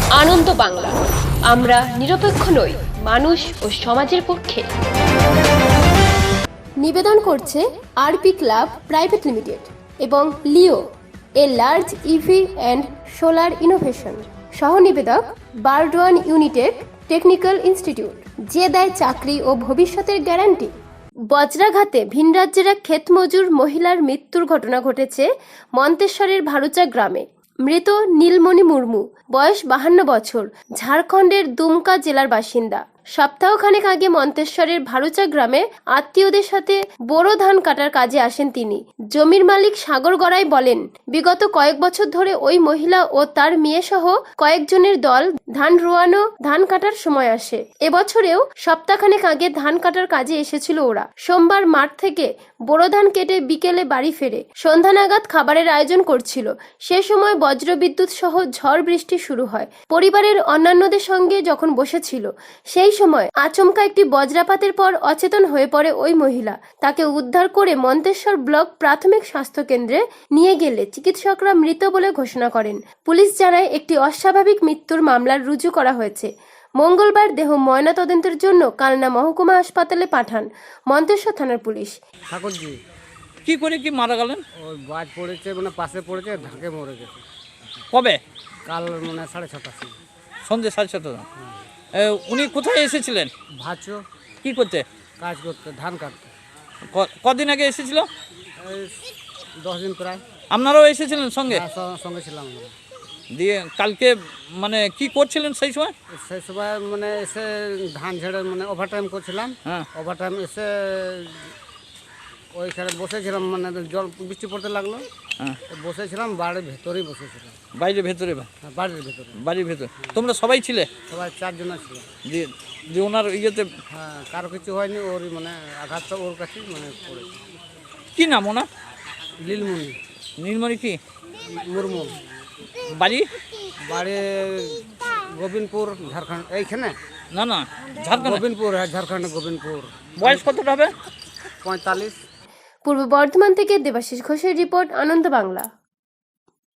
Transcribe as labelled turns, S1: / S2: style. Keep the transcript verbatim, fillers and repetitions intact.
S1: আনন্দ বাংলা, আমরা নিরপেক্ষ নই, মানুষ ও সমাজের পক্ষে।
S2: নিবেদন করছে আরপি ক্লাব প্রাইভেট লিমিটেড এবং Leo, a large EV and solar innovation. সহ নিবেদক বারডোয়ান ইউনিটেড টেকনিক্যাল ইনস্টিটিউট, যে দেয় চাকরি ও ভবিষ্যতের গ্যারান্টি। বজ্রাঘাতে ভিনরাজ্যের এক ক্ষেতমজুর মহিলার মৃত্যুর ঘটনা ঘটেছে মন্তেশ্বরের ভারুচা গ্রামে। মৃত নীলমণি মুর্মু, বয়স বাহান্ন বছর, ঝাড়খণ্ডের দুমকা জেলার বাসিন্দা। সপ্তাহখানেক আগে মন্তেশ্বরের ভারুচা গ্রামে আত্মীয়দের সাথে বোরো ধান কাটার কাজে আসেন তিনি। জমির মালিক সাগর গড়াই বলেন, বিগত কয়েক বছর ধরে ওই মহিলা ও তার মেয়ে সহ কয়েকজনের দল ধান রোয়ানো ধান কাটার সময় আসে। এবছরেও সপ্তাহখানেক আগে ধান কাটার কাজে এসেছিল ওরা। সোমবার মাঠ থেকে বোরো ধান কেটে বিকেলে বাড়ি ফেরে সন্ধ্যা নাগাদ খাবারের আয়োজন করছিল। সে সময় বজ্রবিদ্যুৎ সহ ঝড় বৃষ্টি শুরু হয়। পরিবারের অন্যান্যদের সঙ্গে যখন বসেছিল, সেই সময় আচমকা একটি বজ্রাপাতের পর অচেতন হয়ে পড়ে ওই মহিলা। তাকে উদ্ধার করে মন্তেশ্বর ব্লক প্রাথমিক স্বাস্থ্য কেন্দ্রে নিয়ে গেলে চিকিৎসকরা মৃত বলে ঘোষণা করেন। পুলিশ জানায় একটি অস্বাভাবিক মৃত্যুর মামলা রুজু করা হয়েছে। মঙ্গলবার দেহ ময়নাতদন্তের জন্য কালনা মহকুমা হাসপাতালে পাঠান মন্তেশ্বর থানার পুলিশ।
S3: ঠাকুরজি
S4: কি করে কি মারা গেলেন?
S3: ওই বাজ পড়েছে, মানে পাশে পড়েছে, ঢাকে মরে গেছে
S4: কবে?
S3: কাল মানে সাড়ে ছটার সময়।
S4: সন্ধ্যে সাড়ে ছটা। এ, উনি কোথায় এসেছিলেন?
S3: ভাচো
S4: কি করতে?
S3: কাজ করতে, ধান কাটতে।
S4: ক- কদিন আগে এসেছিল?
S3: এই দশ দিন প্রায়।
S4: আপনারাও এসেছিলেন সঙ্গে?
S3: হ্যাঁ, স- সঙ্গে ছিলাম আমরা।
S4: দিয়ে কালকে মানে কি করছিলেন সেই সময়?
S3: সেই সময় মানে এসে ধান ঝেড়ে মানে ওভার টাইম করছিলাম।
S4: হ্যাঁ।
S3: ওভার টাইম এসে ওইখানে বসেছিলাম, মানে জল বৃষ্টি পড়তে লাগলো।
S4: হ্যাঁ।
S3: বসেছিলাম, বাড়ির ভেতরেই বসেছিলাম।
S4: বাইরে ভেতরে?
S3: হ্যাঁ, বাড়ির ভেতরে
S4: বাড়ির ভেতরে তোমরা সবাই ছিলে?
S3: সবাই চারজন ছিল।
S4: দিয়ে দিয়ে ওনার ইয়েতে
S3: হ্যাঁ, কারো কিছু হয়নি, ওর মানে আঘাতটা ওর কাছেই মানে পড়েছে।
S4: কি নাম ওনার?
S3: লীলমণি
S4: নীলমণি কি
S3: মুর্মু,
S4: বাড়ি?
S3: বাড়ি গোবিন্দপুর, ঝাড়খণ্ড। এইখানে
S4: না না, ঝাড়খণ্ড।
S3: গোবিন্দপুর, হ্যাঁ ঝাড়খণ্ড গোবিন্দপুর।
S4: বয়স কতটা হবে?
S3: পঁয়তাল্লিশ।
S2: পূর্ব বর্ধমান থেকে দেবাশিস ঘোষের রিপোর্ট, আনন্দ বাংলা।